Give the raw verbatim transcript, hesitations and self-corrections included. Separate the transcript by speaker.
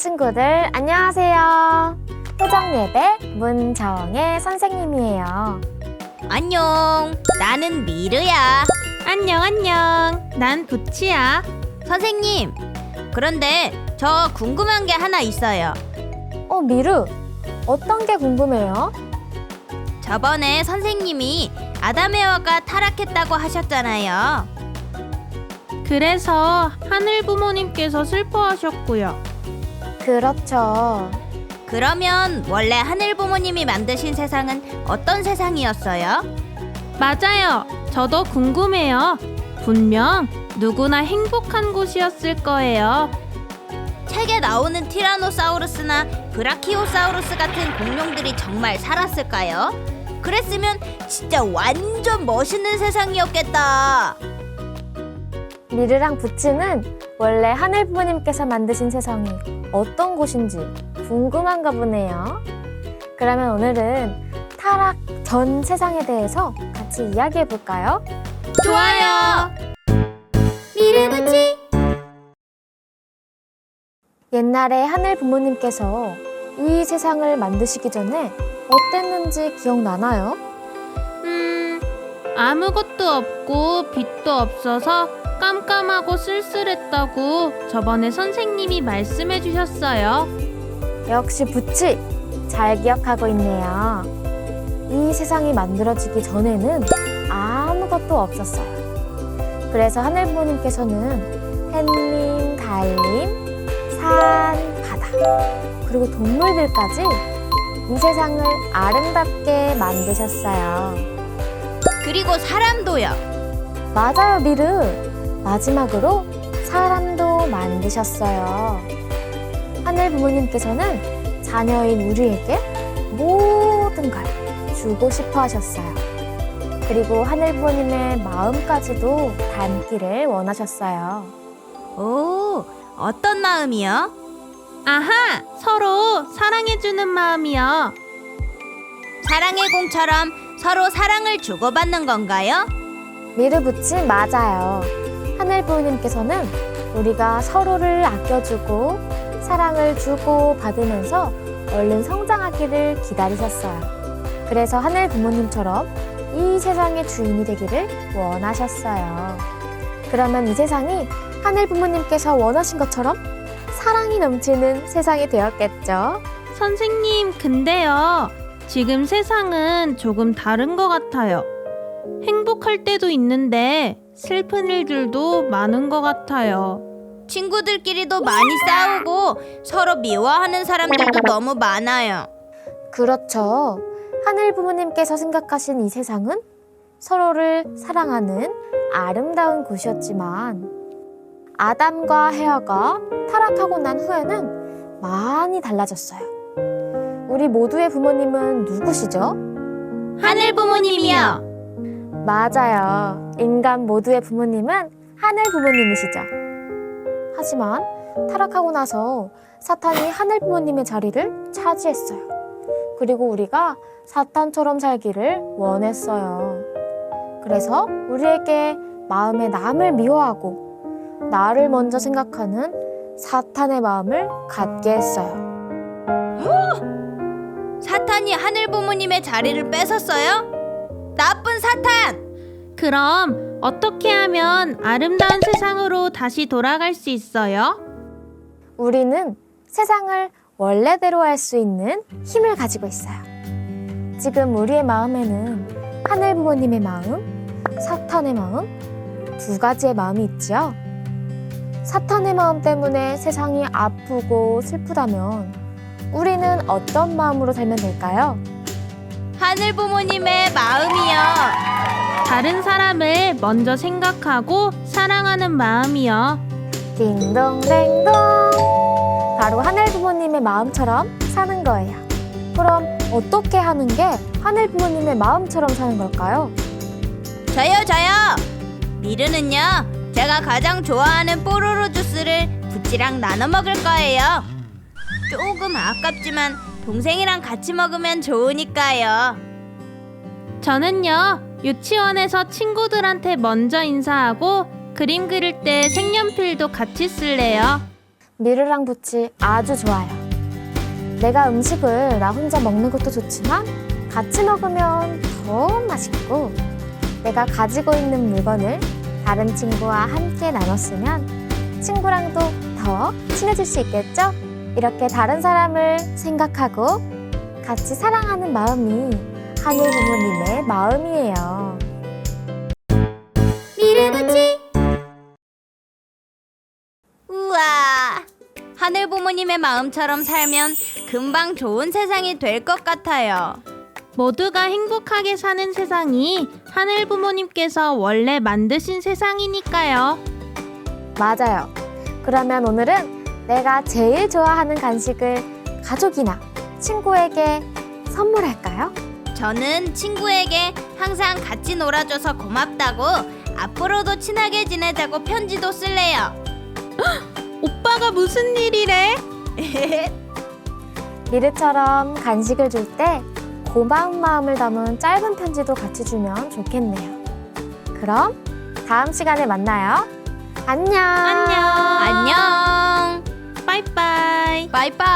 Speaker 1: 친구들 안녕하세요. 토정예배 문정의 선생님이에요.
Speaker 2: 안녕, 나는 미르야.
Speaker 3: 안녕 안녕, 난 부치야.
Speaker 2: 선생님, 그런데 저 궁금한 게 하나 있어요.
Speaker 1: 어, 미루, 어떤 게 궁금해요?
Speaker 2: 저번에 선생님이 아담에와가 타락했다고 하셨잖아요.
Speaker 3: 그래서 하늘 부모님께서 슬퍼하셨고요.
Speaker 1: 그렇죠.
Speaker 2: 그러면 원래 하늘 부모님이 만드신 세상은 어떤 세상이었어요?
Speaker 3: 맞아요. 저도 궁금해요. 분명 누구나 행복한 곳이었을 거예요.
Speaker 2: 책에 나오는 티라노사우루스나 브라키오사우루스 같은 공룡들이 정말 살았을까요? 그랬으면 진짜 완전 멋있는 세상이었겠다.
Speaker 1: 미르랑 부치는 원래 하늘 부모님께서 만드신 세상이 어떤 곳인지 궁금한가 보네요. 그러면 오늘은 타락 전 세상에 대해서 같이 이야기해 볼까요?
Speaker 2: 좋아요.
Speaker 1: 미르부치. 옛날에 하늘 부모님께서 이 세상을 만드시기 전에 어땠는지 기억나나요?
Speaker 3: 음, 아무것도 없고 빛도 없어서 깜깜하고 쓸쓸했다고 저번에 선생님이 말씀해 주셨어요.
Speaker 1: 역시 부치 잘 기억하고 있네요. 이 세상이 만들어지기 전에는 아무것도 없었어요. 그래서 하늘 부모님께서는 햇님, 달님, 산, 바다, 그리고 동물들까지 이 세상을 아름답게 만드셨어요.
Speaker 2: 그리고 사람도요.
Speaker 1: 맞아요, 미르. 마지막으로 사람도 만드셨어요. 하늘 부모님께서는 자녀인 우리에게 모든 걸 주고 싶어 하셨어요. 그리고 하늘 부모님의 마음까지도 닮기를 원하셨어요.
Speaker 2: 오, 어떤 마음이요?
Speaker 3: 아하! 서로 사랑해주는 마음이요.
Speaker 2: 사랑의 공처럼 서로 사랑을 주고받는 건가요?
Speaker 1: 미르부치 맞아요. 하늘 부모님께서는 우리가 서로를 아껴주고 사랑을 주고 받으면서 얼른 성장하기를 기다리셨어요. 그래서 하늘 부모님처럼 이 세상의 주인이 되기를 원하셨어요. 그러면 이 세상이 하늘 부모님께서 원하신 것처럼 사랑이 넘치는 세상이 되었겠죠?
Speaker 3: 선생님, 근데요. 지금 세상은 조금 다른 것 같아요. 행복할 때도 있는데 슬픈 일들도 많은 것 같아요.
Speaker 2: 친구들끼리도 많이 싸우고 서로 미워하는 사람들도 너무 많아요.
Speaker 1: 그렇죠. 하늘 부모님께서 생각하신 이 세상은 서로를 사랑하는 아름다운 곳이었지만 아담과 헤아가 타락하고 난 후에는 많이 달라졌어요. 우리 모두의 부모님은 누구시죠?
Speaker 2: 하늘 부모님이요.
Speaker 1: 맞아요. 인간 모두의 부모님은 하늘 부모님이시죠. 하지만 타락하고 나서 사탄이 하늘 부모님의 자리를 차지했어요. 그리고 우리가 사탄처럼 살기를 원했어요. 그래서 우리에게 마음에 남을 미워하고 나를 먼저 생각하는 사탄의 마음을 갖게 했어요.
Speaker 2: 사탄이 하늘 부모님의 자리를 뺏었어요? 나쁜 사탄!
Speaker 3: 그럼 어떻게 하면 아름다운 세상으로 다시 돌아갈 수 있어요?
Speaker 1: 우리는 세상을 원래대로 할 수 있는 힘을 가지고 있어요. 지금 우리의 마음에는 하늘 부모님의 마음, 사탄의 마음, 두 가지의 마음이 있지요. 사탄의 마음 때문에 세상이 아프고 슬프다면 우리는 어떤 마음으로 살면 될까요?
Speaker 2: 하늘 부모님의 마음이요.
Speaker 3: 다른 사람을 먼저 생각하고 사랑하는 마음이요.
Speaker 1: 딩동댕동. 바로 하늘 부모님의 마음처럼 사는 거예요. 그럼 어떻게 하는 게 하늘 부모님의 마음처럼 사는 걸까요?
Speaker 2: 저요 저요. 미르는요, 제가 가장 좋아하는 뽀로로 주스를 부치랑 나눠 먹을 거예요. 조금 아깝지만 동생이랑 같이 먹으면 좋으니까요.
Speaker 3: 저는요, 유치원에서 친구들한테 먼저 인사하고 그림 그릴 때 색연필도 같이 쓸래요.
Speaker 1: 미르랑 부치 아주 좋아요. 내가 음식을 나 혼자 먹는 것도 좋지만 같이 먹으면 더 맛있고, 내가 가지고 있는 물건을 다른 친구와 함께 나눴으면 친구랑도 더 친해질 수 있겠죠? 이렇게 다른 사람을 생각하고 같이 사랑하는 마음이 하늘 부모님의 마음이에요.
Speaker 2: 미르부치. 우와, 하늘 부모님의 마음처럼 살면 금방 좋은 세상이 될 것 같아요.
Speaker 3: 모두가 행복하게 사는 세상이 하늘 부모님께서 원래 만드신 세상이니까요.
Speaker 1: 맞아요. 그러면 오늘은 내가 제일 좋아하는 간식을 가족이나 친구에게 선물할까요?
Speaker 2: 저는 친구에게 항상 같이 놀아줘서 고맙다고, 앞으로도 친하게 지내자고 편지도 쓸래요.
Speaker 3: 오빠가 무슨 일이래?
Speaker 1: 미르처럼 간식을 줄 때 고마운 마음을 담은 짧은 편지도 같이 주면 좋겠네요. 그럼 다음 시간에 만나요. 안녕.
Speaker 3: 안녕.
Speaker 2: 안녕.
Speaker 3: 빠이빠이.
Speaker 2: 바이바이.